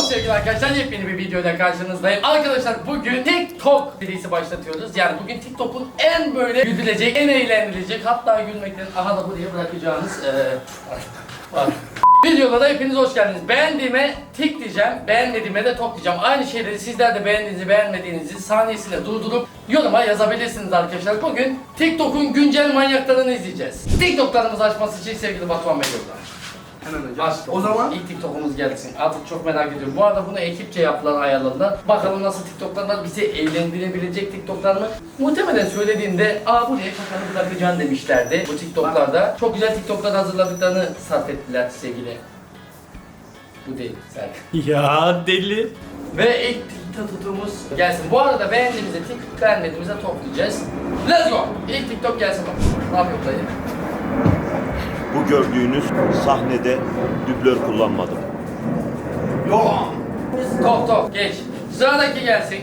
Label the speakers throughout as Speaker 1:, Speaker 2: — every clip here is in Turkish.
Speaker 1: sevgili arkadaşlar, yepyeni bir videoyla karşınızdayım. Arkadaşlar bugün TikTok serisi başlatıyoruz. Yani bugün TikTok'un en böyle güldürecek, en eğlenilecek, hatta gülmekten aha da buraya bırakacağınız var. Videolara hepiniz hoş geldiniz. Beğendiğime tik diyeceğim, beğenmediğime de tok diyeceğim. Aynı şeyleri sizler de beğendiğinizi, beğenmediğinizi saniyesinde durdurup yoruma yazabilirsiniz arkadaşlar. Bugün TikTok'un güncel manyaklarını izleyeceğiz. TikTok'larımızı açması için sevgili Batuhan Bey yolda.
Speaker 2: Hemen hocam.
Speaker 1: Açtım.
Speaker 2: O zaman
Speaker 1: ilk TikTok'umuz gelsin. Artık çok merak ediyorum. Bu arada bunu ekipçe yaptılar, ayarladılar. Bakalım nasıl TikTok'lar var, bizi eğlendirebilecek TikTok'lar mı? Muhtemelen söylediğinde buraya kafanı bırakacaksın demişlerdi bu TikTok'larda. Çok güzel TikTok'lar hazırladıklarını sarf ettiler sevgili. Bu değil, sen.
Speaker 3: Ya deli.
Speaker 1: Ve ilk TikTok'umuz gelsin. Bu arada beğendiğimize tik, beğenmediğimize toplayacağız. Let's go! İlk TikTok gelsin bak. Ne yapıyor dayı?
Speaker 4: Bu gördüğünüz sahnede dublör kullanmadım.
Speaker 2: yok.
Speaker 1: Tok geç. Sıradaki gelsin.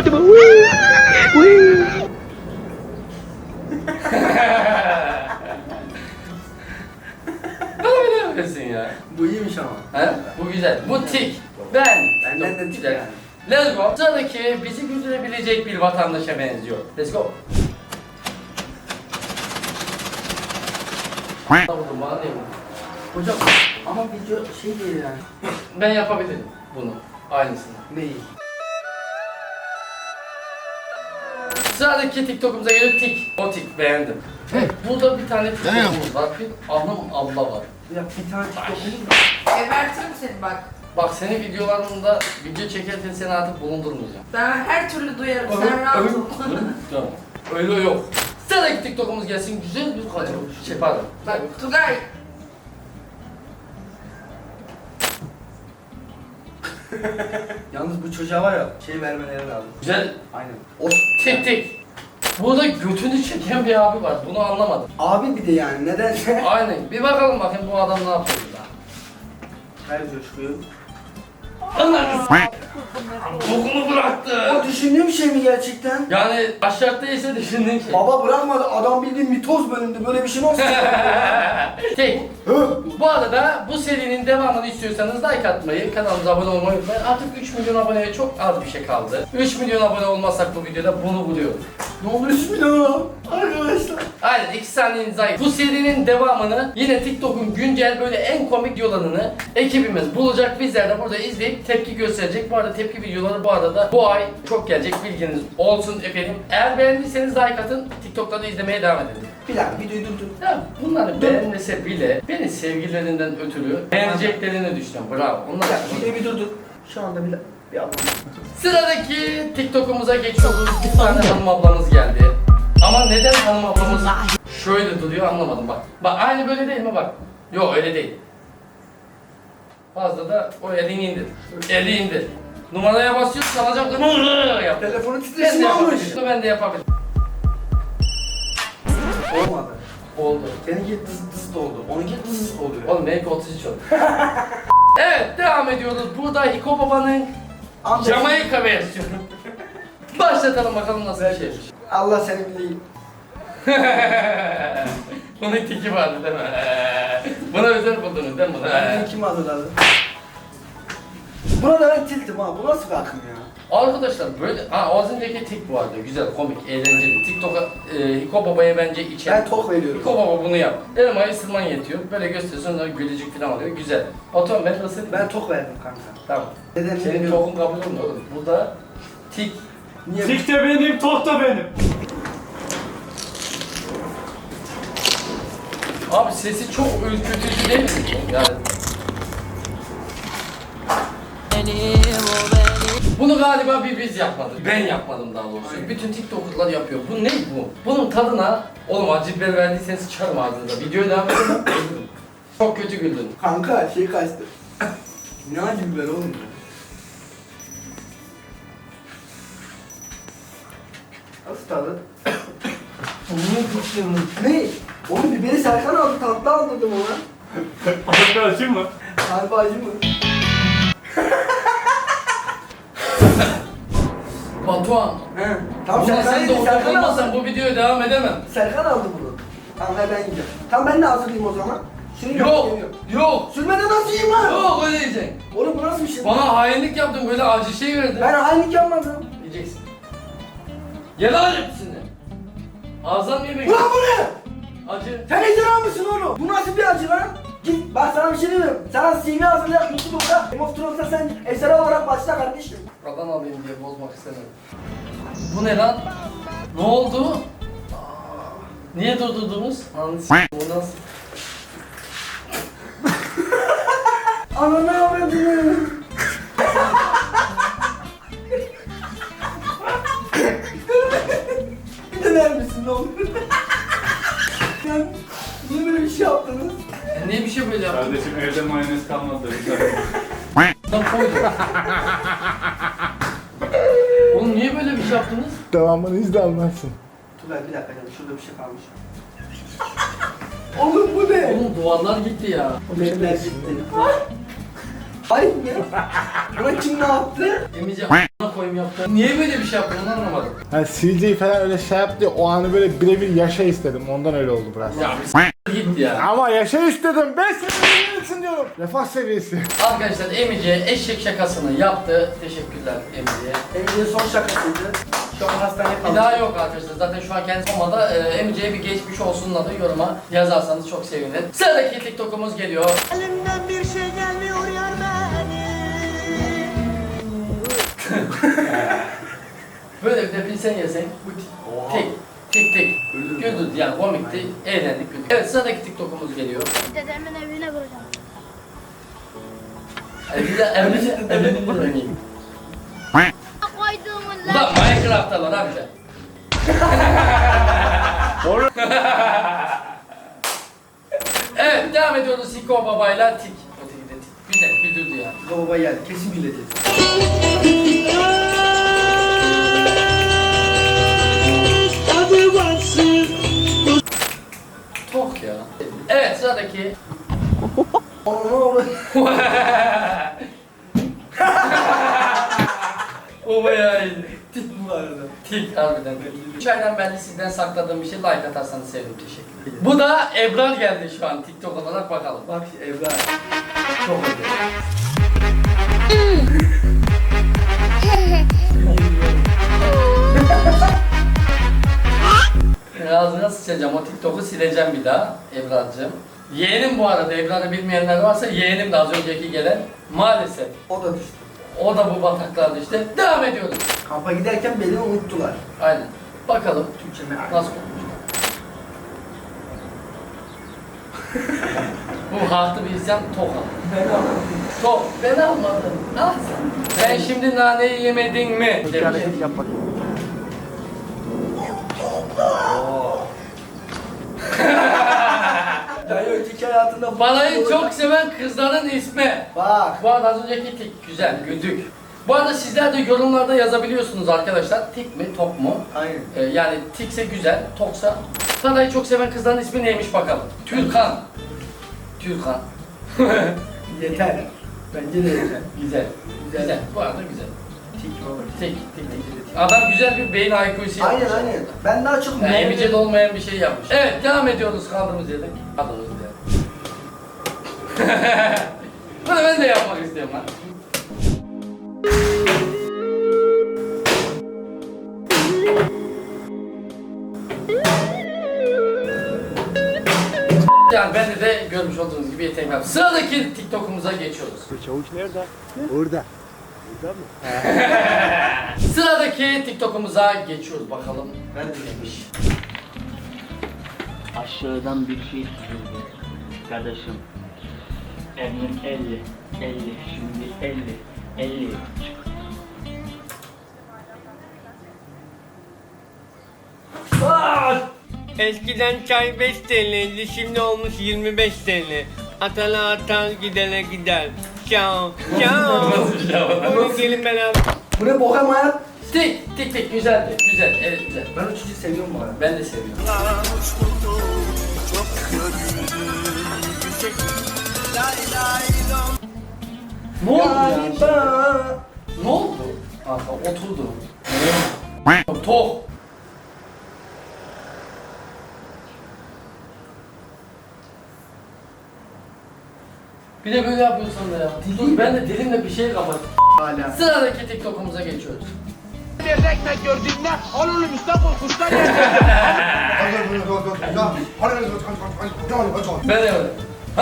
Speaker 1: Bana bile yapıyorsun ya.
Speaker 2: Bu iyiymiş ama.
Speaker 1: He? Bu güzel. Bu tik.
Speaker 2: Benden de tik
Speaker 1: güzel.
Speaker 2: yani.
Speaker 1: Let's go. Sıradaki bizi güldürebilecek bir vatandaşa benziyor. Let's go. Vurdum, bana değil mi?
Speaker 2: Hocam ama video şey değil yani.
Speaker 1: Ben yapabilirim bunu. Aynısını.
Speaker 2: Neyi?
Speaker 1: Sıradaki TikTok'umuza geliyor tik. O tik beğendim. Evet, burada bir tane TikTok'umuz var. Bir hanım abla var.
Speaker 2: Ya bir tane TikTok'umuz var.
Speaker 5: Gebertirim seni bak.
Speaker 1: Bak senin videolarında video çekerken seni artık bulundurmayacağım.
Speaker 5: Ben her türlü duyarım. Sen rahat ol.
Speaker 1: Tamam. Öyle yok. Sıradaki TikTok'umuz gelsin. Güzel bir kadın. Pardon.
Speaker 5: Bak Tugay.
Speaker 2: Yalnız bu çocuğa var ya şey vermeleri lazım.
Speaker 1: Güzel.
Speaker 2: Aynen.
Speaker 1: O tik. Burada götünü çeken bir abi var. Bunu anlamadım.
Speaker 2: Abi bir de yani nedense.
Speaker 1: Aynen. Bir bakalım bakayım bu adam ne yapıyor burada.
Speaker 2: Her coşkuyu.
Speaker 1: Anladın. Bokunu bıraktı.
Speaker 2: O düşündüğüm şey mi gerçekten?
Speaker 1: Yani aşağıda ise düşündüğün şey.
Speaker 2: Baba bırakmadı, adam bildiğin mitoz bölündü, böyle bir şey nasıl?
Speaker 1: Tek. Bu arada bu serinin devamını istiyorsanız like atmayı, kanalımıza abone olmayı unutmayın. Artık 3 milyon aboneye çok az bir şey kaldı. 3 milyon abone olmazsak bu videoda bunu buluyoruz.
Speaker 2: Ne olur 3 milyon arkadaşlar.
Speaker 1: Aynen 2 saniyeniz ayır. Bu serinin devamını yine TikTok'un güncel böyle en komik videolarını ekibimiz bulacak. Bizler de burada izleyip tepki gösterecek. Bu arada tepki videoları bu arada bu ay çok gelecek, bilginiz olsun efendim. Eğer beğendiyseniz like atın, TikTok'ta da izlemeye devam edin.
Speaker 2: Bir dakika videoyu durdur.
Speaker 1: Ya bunları beğenmese bile beni sevgililerinden ötürü beğeneceklerini düşünüyorum. Bravo. Onlar
Speaker 2: Bir dakika videoyu bir durdur. Şu anda bir abone.
Speaker 1: Sıradaki TikTok'umuza geçiyoruz. Bir tane hanım ablamız geldi. Ama neden hanım ablamız şöyle duruyor anlamadım bak. Bak aynı böyle değil mi bak. Yok öyle değil. Fazla da o elini indir. Eli indir. Numaraya basıyorsun çalacak yap.
Speaker 2: Telefonu
Speaker 1: Ben de
Speaker 2: titreşimi almış.
Speaker 1: yapabilirim. Ben de yapabilirim.
Speaker 2: Olmadı.
Speaker 1: Oldu.
Speaker 2: Seninki dıs oldu. Onunki dıs oluyor.
Speaker 1: Oğlum belki 33 oldu. Evet devam ediyoruz. Burada Hiko Baba'nın Jamaika versiyonu. Başlatalım bakalım nasıl bir şeymiş.
Speaker 2: Allah seni bileyim.
Speaker 1: Bunun tiki vardı değil mi? Buna özel buldunuz değil mi?
Speaker 2: Bunu kim hazırladı? Buna da ben tiltim ha. Bu nasıl bir akım ya?
Speaker 1: Arkadaşlar böyle, az önceki tik vardı. Güzel, komik, eğlenceli. TikTok'a Hiko Baba'ya bence içer.
Speaker 2: Ben tok veriyorum.
Speaker 1: Hiko Baba bunu yap. Elmayı ısırman yetiyor. Böyle gösteriyorsun sonra gülücük falan oluyor. Güzel. Otom ben ısırayım.
Speaker 2: Ben tok verdim kanka.
Speaker 1: Tamam.
Speaker 2: Nedenini
Speaker 1: Senin
Speaker 2: bilmiyorum.
Speaker 1: tokun kabul olmuyor oğlum. Burada tik.
Speaker 2: Niye?
Speaker 3: Tik de benim, tok da benim.
Speaker 1: Abi sesi çok ürkütücü değil mi? Yani. Bunu galiba biz yapmadık. Ben yapmadım daha doğrusu.
Speaker 2: Aynen.
Speaker 1: Bütün TikTok'lar yapıyor. Bu ne bu? Bunun tadına, oğlum acı biber verdiyseniz sıçarım ağzınıza. Videoyu devam edelim. Çok kötü güldün.
Speaker 2: Kanka şey kaçtı. Ne acı biber oğlum ya? Nasıl tadı? Ne? Oğlum biberi Serkan aldı, tatlı aldırdım ona.
Speaker 3: Arkadaşım mı?
Speaker 2: Harbi acı mı?
Speaker 1: Batuhan.
Speaker 2: He. Tamam
Speaker 1: Ulan
Speaker 2: Serkan
Speaker 1: sen de
Speaker 2: yedi, Serkan
Speaker 1: olmazsan
Speaker 2: aldı.
Speaker 1: bu videoya devam edemem.
Speaker 2: Serkan aldı bunu. Tamam ben yiyeceğim. Tamam ben de hazırlayayım o zaman. Şunu
Speaker 1: Yok.
Speaker 2: yemiyorum.
Speaker 1: Yok.
Speaker 2: Sürmeden nasıl yiyeyim lan?
Speaker 1: Yok öyle yiyeceksin.
Speaker 2: Oğlum bu nasıl bir şey?
Speaker 1: Bana hainlik yaptın böyle acı şey verdin.
Speaker 2: Ben hainlik yapmadım.
Speaker 1: Yiyeceksin. Ye lan hepsini. Ağızdan mı yemek?
Speaker 2: Ulan bu ne?
Speaker 1: Acı.
Speaker 2: Sen ejderha mısın oğlum? Bu nasıl bir acı lan? Git bak sana bir şey diyeyim. Sana CV hazırlayak YouTube'a. Game of Thrones'ta sen ejderha olarak başla kardeşim.
Speaker 1: Buradan alayım diye bozmak istemedim. Bu ne lan? Ne oldu? Niye durdurdunuz? Anladın bu nasıl?
Speaker 2: Ananı avradını. Bir döner misin ne olur? Sen niye böyle bir şey yaptınız?
Speaker 1: Niye bir şey böyle yaptın?
Speaker 3: Kardeşim evde mayonez kalmadı.
Speaker 1: Lan koydum. Oğlum niye böyle bir şey yaptınız?
Speaker 6: Devamını izle almazsın.
Speaker 2: Tugay bir dakika canım şurada bir şey kalmış. Oğlum bu ne?
Speaker 1: Oğlum duvarlar gitti ya.
Speaker 2: O benimler gitti. Hayır ne? Buna kim ne yaptı?
Speaker 1: Emice a**ına koyayım yaptı. Niye böyle bir şey yaptın onu anlamadım.
Speaker 6: Hani CJ falan öyle şey yaptı ya, o anı böyle birebir yaşa istedim. Ondan öyle oldu biraz.
Speaker 1: Ya bir s**t gitti ya.
Speaker 6: Ama yaşa istedim. Ben senin için diyorum. Refah seviyesi.
Speaker 1: Arkadaşlar Emice eşek şakasını yaptı. Teşekkürler Emice'ye.
Speaker 2: Emice'nin son şakasıydı. Şu an hastaneye
Speaker 1: Bir
Speaker 2: kaldı.
Speaker 1: daha yok arkadaşlar. Zaten şu an kendisi olmadı. Emice'ye bir geçmiş olsunla da yoruma yazarsanız çok sevinirim. Sıradaki TikTok'umuz geliyor.
Speaker 7: Elimden bir şey gelmiyor yar benim.
Speaker 1: Böyle bir de bilsen yesen. Tek. Tek tek. Güldürdü yani komikti. Eğlendik güldük. Evet sıradaki TikTok'umuz geliyor.
Speaker 7: Dedemin evine vuracağım.
Speaker 1: Evini oynayayım.
Speaker 7: Koyduğumun
Speaker 1: Bu da Minecraft'talar amca. Evet devam ediyoruz Siko babayla tik. O tiki de tik. Güzel güldürdü ya.
Speaker 2: Baba geldi. Kesin güleceğiz.
Speaker 1: Tok ya. Evet sıradaki.
Speaker 2: Onu ne oldu?
Speaker 1: O bayağı iyiydi.
Speaker 2: Tip bu arada.
Speaker 1: Tik harbiden. 3 aydan beri sizden sakladığım bir şey like atarsanız sevinirim teşekkür ederim. Bu da Ebrar geldi şu an TikTok olarak bakalım.
Speaker 2: Bak Evra. Çok öyle.
Speaker 1: Ağzına sıçacağım o TikTok'u sileceğim bir daha Ebrar'cığım. Yeğenim bu arada Ebrar'ı bilmeyenler varsa yeğenim de az önceki gelen maalesef.
Speaker 2: O da düştü.
Speaker 1: O da bu bataklarda işte. Devam ediyoruz.
Speaker 2: Kampa giderken beni unuttular.
Speaker 1: Aynen. Bakalım
Speaker 2: Türkçe meal.
Speaker 1: nasıl konuşuyor. Bu haklı bir isyan tok al.
Speaker 2: Ben almadım.
Speaker 1: Tok. Ben almadım. Al sen. Sen şimdi naneyi yemedin mi?
Speaker 2: Bir hareket yap bakayım. Ya yok öteki hayatında...
Speaker 1: Balayı çok seven kızların ismi.
Speaker 2: Bak.
Speaker 1: Bu arada az önceki tik güzel, güldük. Bu arada sizler de yorumlarda yazabiliyorsunuz arkadaşlar. Tik mi, tok mu?
Speaker 2: Aynen.
Speaker 1: Yani tikse güzel, toksa. Balayı çok seven kızların ismi neymiş bakalım. Türkan. Türkan.
Speaker 2: Yeter. Bence de yeter.
Speaker 1: Güzel. Güzel. Bu arada güzel.
Speaker 2: Tik baba.
Speaker 1: Tik, tik, tik. Adam güzel bir beyin IQ'su yapmış.
Speaker 2: Aynen aynen. Ben daha çok
Speaker 1: Yani Emice'de olmayan bir şey yapmış. Evet, devam ediyoruz kaldığımız yerden. Kaldığımız yerden. Bunu ben de yapmak istiyorum lan. Yani bende de görmüş olduğunuz gibi yeteneğim var. Sıradaki TikTok'umuza geçiyoruz.
Speaker 6: Çavuş nerede? Orada. Orada mı?
Speaker 1: Sıradaki TikTok'umuza geçiyoruz bakalım.
Speaker 2: Ben de
Speaker 1: Neymiş?
Speaker 8: Aşağıdan bir şey çizildi. Kardeşim. Emin 50. 50. Şimdi 50. 50.
Speaker 9: Eskiden çay 5 TL'ydi, şimdi olmuş 25 TL. Atana atar, gidene gider. Ciao, ciao.
Speaker 1: Nasıl bir şey var?
Speaker 9: Buyurun gelin beraber.
Speaker 2: Bu ne bohem hayat?
Speaker 1: Tik tik tik güzeldi. Güzel. Evet güzel.
Speaker 2: Ben o çocuğu seviyorum bu arada.
Speaker 1: Ben de seviyorum. Ne oldu ya?
Speaker 2: Galiba.
Speaker 1: Ne oldu? Kanka oturdu. Tok. Bir de böyle yapıyorsun da ya. Dur ben de dilimle bir şey kapat.
Speaker 2: Hala.
Speaker 1: Sıradaki TikTok'umuza geçiyoruz.
Speaker 6: Ekmek gördüğünde alırım üstten korkuştan yerdim.
Speaker 1: Ben de öyle.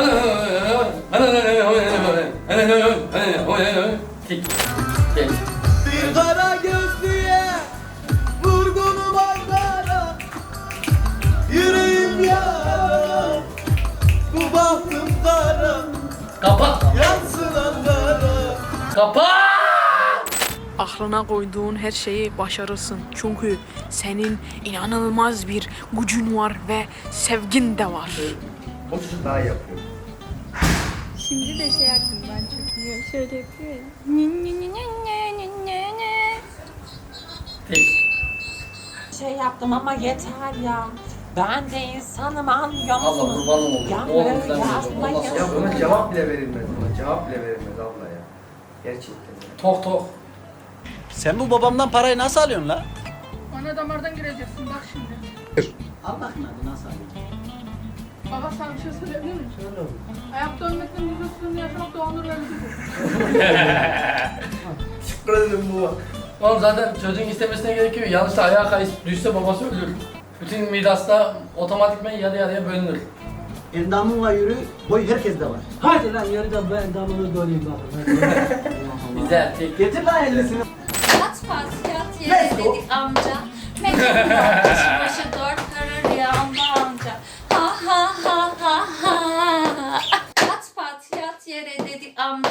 Speaker 1: Tik. Geç.
Speaker 2: Bir kara gözlüye vurgunum Ankara. Yüreğim yara. Bu bahtım kara.
Speaker 1: Kapat.
Speaker 2: Yansın Ankara.
Speaker 1: Kapat.
Speaker 10: Aklına koyduğun her şeyi başarırsın. Çünkü senin inanılmaz bir gücün var ve sevgin de var.
Speaker 2: O çocuk daha iyi yapıyor.
Speaker 7: Şimdi de şey aklımdan çıkıyor. Şöyle yapıyor ya.
Speaker 1: Tik.
Speaker 11: Şey yaptım ama yeter ya. Ben de insanım anlıyor
Speaker 1: Allah
Speaker 11: musunuz?
Speaker 1: kurbanım olayım.
Speaker 11: Ya
Speaker 1: Oğlum
Speaker 11: böyle
Speaker 1: sen de
Speaker 11: yazma
Speaker 1: olmaz.
Speaker 2: Ya buna cevap bile verilmez. Buna cevap bile verilmez abla ya. Gerçekten ya.
Speaker 1: Tok tok.
Speaker 12: Sen bu babamdan parayı nasıl alıyorsun la?
Speaker 10: Ana damardan gireceksin bak şimdi.
Speaker 12: Allah'ın adı nasıl alıyorsun?
Speaker 10: Baba sana bir şey söyleyebilir miyim? Ayakta ölmekten müzesini yaşamak da onur verici bu.
Speaker 2: Şükür ederim bu.
Speaker 1: Oğlum zaten çocuğun istemesine gerek yok. Yanlışta ayağa kayıp düşse babası ölür. Bütün mirasta otomatikman yarı yarıya bölünür.
Speaker 12: Endamınla yürü, boy herkeste var. Hadi lan yürü de ben endamını göreyim bakın.
Speaker 1: Güzel. Tik.
Speaker 12: Getir lan 50'sini.
Speaker 7: Yat pas yat yere dedik amca. Mekan başı başı dört karı rüyamda amca. Ha ha ha ha ha. Yat pat yat yere dedik amca.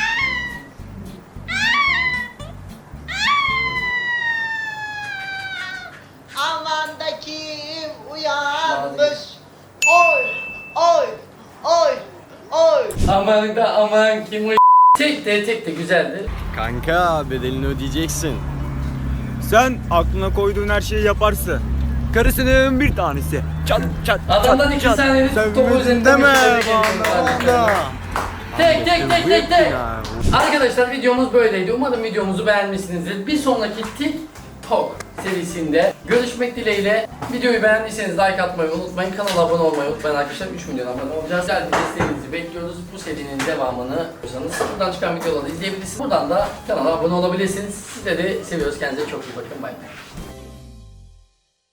Speaker 11: Aman da kim uyanmış? Oy oy oy oy.
Speaker 1: Aman da aman kim o tek de güzeldi.
Speaker 12: Kanka bedelini ödeyeceksin. Sen aklına koyduğun her şeyi yaparsın. Karısının bir tanesi. Çat çat
Speaker 1: Adamdan 2 saniyelik topu üzerinde
Speaker 12: deme
Speaker 1: bana. Tek. Arkadaşlar videomuz böyleydi. Umarım videomuzu beğenmişsinizdir. Bir sonraki TikTok serisinde görüşmek dileğiyle. Videoyu beğendiyseniz like atmayı unutmayın. Kanala abone olmayı unutmayın arkadaşlar. 3 milyon abone olacağız. Güzel bir desteğinizi bekliyoruz. Bu serinin devamını istiyorsanız buradan çıkan videoları izleyebilirsiniz. Buradan da kanala abone olabilirsiniz. Sizleri seviyoruz. Kendinize çok iyi bakın. Bay bay.